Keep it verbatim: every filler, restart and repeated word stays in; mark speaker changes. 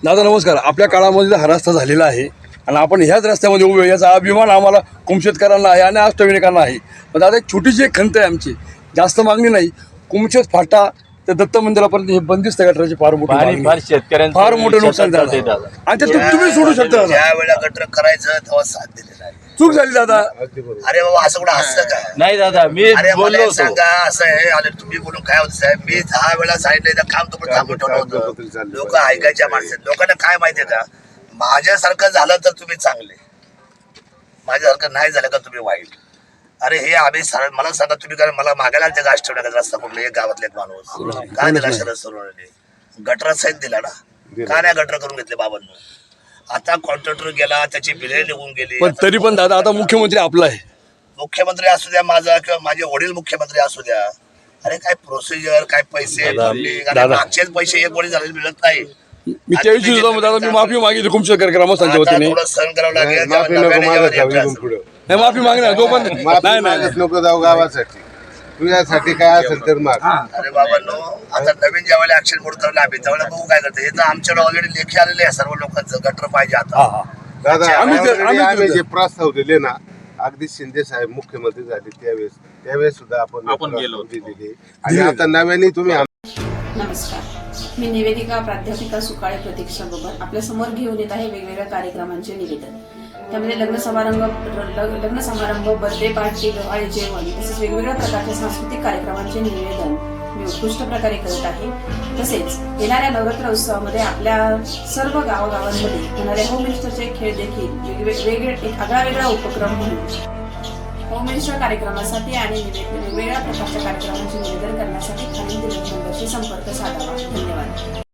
Speaker 1: दादा नमस्कार. आपल्या काळामध्ये हा रस्ता झालेला आहे आणि आपण ह्याच रस्त्यामध्ये उभे याचा अभिमान आम्हाला कुमशेतकरांना आहे आणि अष्टविनायकांना आहे. पण दादा एक छोटीशी एक खंत आहे आमची, जास्त मागणी नाही. कुमशेत फाटा तर दत्त मंदिरापर्यंत हे बंदिस्त गटराची फार मोठी मागणी
Speaker 2: फार शेतकऱ्यांचं
Speaker 1: फार मोठं नुकसान झालं आणि ते तुम- तुम्ही सोडू शकता दादा.
Speaker 3: ज्या वेळेला गटर करायचं तेव्हा साथ दिलेला आहे.
Speaker 1: चूक झाली दादा.
Speaker 3: अरे बाबा असं कुठं असतं का?
Speaker 2: नाही दादा मी
Speaker 3: अरे
Speaker 2: बोललो
Speaker 3: मला
Speaker 2: होतो.
Speaker 3: सांगा असं आहे. अरे तुम्ही बोलून काय होतं साहेब, मी दहा वेळा सांगितलं तर काम तुम्ही थांबून ठेवलं होतं. लोक ऐकायच्या माणसं, लोकांना काय माहितीये का, माझ्यासारखं झालं तर तुम्ही चांगले, माझ्यासारखं नाही झालं का तुम्ही वाईट. अरे हे आम्ही सर- मला सांगा तुम्ही काय मला मागायला ते गाश ठेवण्याचा रस्ता कुठला एक गावातले एक माणूस काय दिला शरद सोनवणे गटरा सहित दिला ना, का नाही गटर करून घेतले बाबांनी. आता कॉन्ट्रॅक्टर गेला, त्याची बिले निघून गेली.
Speaker 1: पण तरी पण दादा आता मुख्यमंत्री आपला आहे.
Speaker 3: मुख्यमंत्री असू द्या माझा किंवा माझे वडील मुख्यमंत्री असू द्या, अरे काय प्रोसिजर काय पैसे funding, अरे मागचेच पैसे एक वडील झालेले मिळत नाही.
Speaker 1: मी त्याविषयी सुद्धा दादा मी माफी मागितली कुमशेतकर ग्रामस्थांच्या
Speaker 3: आता
Speaker 1: वतीने.
Speaker 3: थोडं सहन करावं लागेल.
Speaker 4: माफी
Speaker 3: तेव्हा
Speaker 4: नको
Speaker 3: नव्याने
Speaker 4: मागत
Speaker 3: जेव्हा
Speaker 4: जाऊ
Speaker 3: यायचं
Speaker 4: इथून पुढं.
Speaker 1: नाही माफी मागणार तो पण नाही
Speaker 4: माफी
Speaker 1: नाही नाही.
Speaker 4: मागत नको जाऊ गावासाठी, तुझ्यासाठी काय असेल तर माग.
Speaker 3: अरे बाबांनो, आता नवीन ज्या वेळेला ऍक्शन मोड करला आम्ही त्यावेळेला बघू काय करते. हे तर आमच्याकडे ऑलरेडी लेखी आलेले आहे सर्व लोकांचं गटर पाहिजे
Speaker 1: हा
Speaker 3: आता.
Speaker 1: हा
Speaker 4: दादा
Speaker 1: आम्ही ते-
Speaker 4: already
Speaker 1: आम्ही
Speaker 4: आम्ही
Speaker 1: ते-
Speaker 4: जे प्रस्ताव दिले ना, अगदी शिंदे साहेब मुख्यमंत्री झाले त्यावेळेस त्यावेळेस सुद्धा आपण
Speaker 2: आपण गेलो
Speaker 4: प्रस्ताव दिलेले. आणि आता नव्याने तुम्ही
Speaker 5: नमस्कार, मी निवेदिका प्राध्यापिका सुकाळे प्रतीक्षा बबर आपल्या समोर घेऊन येत आहे वेगवेगळ्या कार्यक्रमांचे निवेदन. त्यामध्ये लग्न समारंभ लग- लग्न समारंभ बर्थडे पार्टी डोहाळे जेवण तसेच वेगवेगळ्या प्रकारच्या सांस्कृतिक कार्यक्रमांचे निवेदन मी उत्कृष्ट प्रकारे करत आहे. तसेच येणाऱ्या नवरात्र उत्सवामध्ये आपल्या सर्व गावागावांमध्ये होणाऱ्या होम मिनिस्टरचे खेळ देखील वेगवेगळे एक आगळा वेगळा उपक्रम म्हणून होम मिनिस्टर कार्यक्रमासाठी आणि निवे- वेगवेगळ्या प्रकारच्या कार्यक्रमांचे निवेदन करण्यासाठी खालील दिलेल्या नंबरशी संपर्क साधावा. धन्यवाद.